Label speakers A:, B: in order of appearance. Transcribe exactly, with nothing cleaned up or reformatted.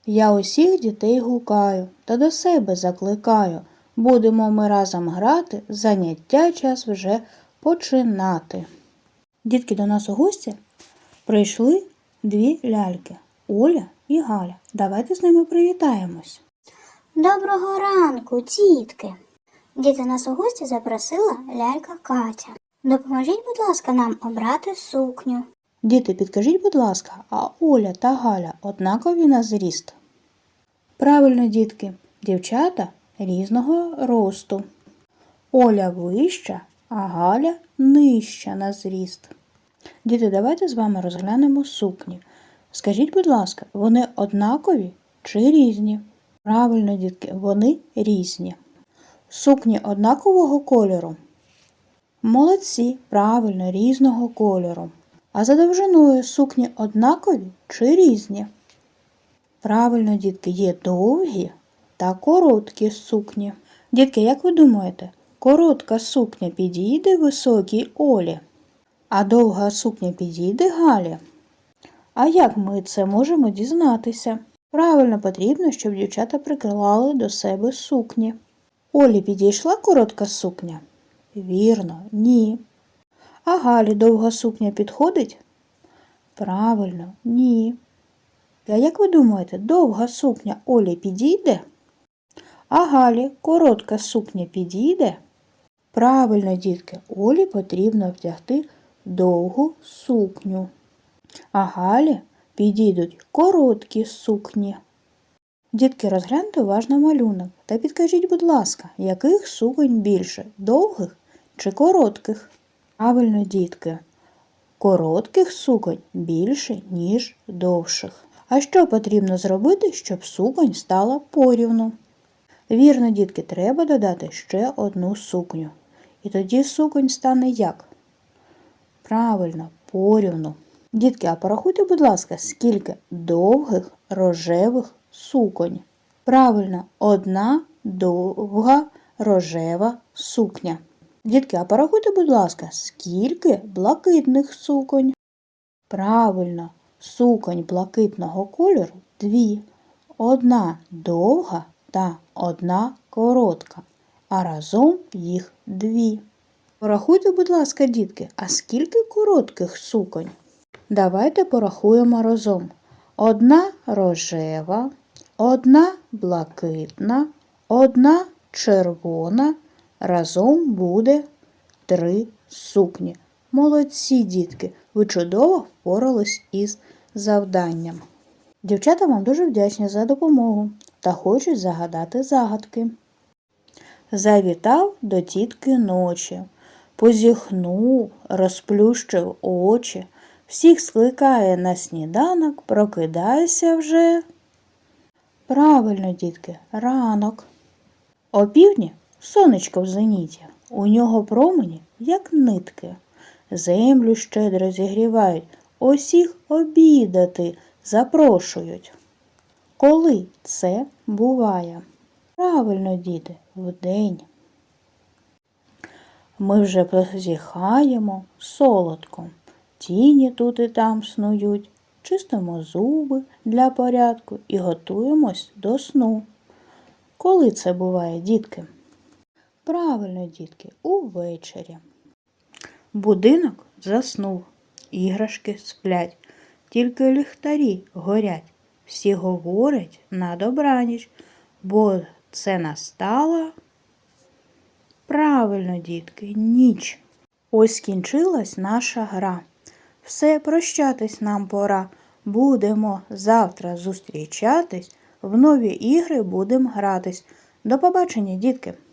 A: Я усіх дітей гукаю та до себе закликаю. Будемо ми разом грати, заняття час вже починати. Дітки, до нас у гості прийшли дві ляльки – Оля і Галя. Давайте з ними привітаємось.
B: Доброго ранку, дітки! Діти, нас у гості запросила лялька Катя. Допоможіть, будь ласка, нам обрати сукню.
A: Діти, підкажіть, будь ласка, а Оля та Галя однакові на зріст? Правильно, дітки, дівчата різного росту. Оля вища, а Галя нижча на зріст. Діти, давайте з вами розглянемо сукні. Скажіть, будь ласка, вони однакові чи різні? Правильно, дітки, вони різні. Сукні однакового кольору? Молодці, правильно, різного кольору. А за довжиною сукні однакові чи різні? Правильно, дітки, є довгі та короткі сукні. Дітки, як ви думаєте, коротка сукня підійде високій Олі, а довга сукня підійде Галі? А як ми це можемо дізнатися? Правильно, потрібно, щоб дівчата приклали до себе сукні. Олі підійшла коротка сукня? Вірно, ні. А Галі довга сукня підходить? Правильно, ні. А як ви думаєте, довга сукня Олі підійде? А Галі коротка сукня підійде? Правильно, дітки, Олі потрібно вдягти довгу сукню. А Галі підійдуть короткі сукні. Дітки, розгляньте уважно малюнок та підкажіть, будь ласка, яких суконь більше – довгих чи коротких? Правильно, дітки, коротких суконь більше, ніж довших. А що потрібно зробити, щоб суконь стала порівну? Вірно, дітки, треба додати ще одну сукню. І тоді суконь стане як? Правильно, порівну. Дітки, а порахуйте, будь ласка, скільки довгих рожевих суконь? Правильно, одна довга рожева сукня. Дітки, а порахуйте, будь ласка, скільки блакитних суконь? Правильно, суконь блакитного кольору дві. Одна довга та одна коротка, а разом їх дві. Порахуйте, будь ласка, дітки, а скільки коротких суконь? Давайте порахуємо разом. Одна рожева, одна блакитна, одна червона, разом буде три сукні. Молодці, дітки, ви чудово впорались із завданням. Дівчата вам дуже вдячні за допомогу та хочуть загадати загадки. Завітав до тітки ночі, позіхнув, розплющив очі, всіх скликає на сніданок, прокидайся вже. Правильно, дітки, ранок. Опівдні сонечко в зеніті, у нього промені, як нитки. Землю щедро зігрівають, усіх обідати запрошують. Коли це буває? Правильно, діти, вдень. Ми вже позіхаємо солодко, тіні тут і там снують, чистимо зуби для порядку і готуємось до сну. Коли це буває, дітки? Правильно, дітки, увечері. Будинок заснув, іграшки сплять, тільки ліхтарі горять. Всі говорять на добраніч, бо це настала. Правильно, дітки, ніч. Ось скінчилась наша гра. Все, прощатись нам пора. Будемо завтра зустрічатись, в нові ігри будемо гратись. До побачення, дітки!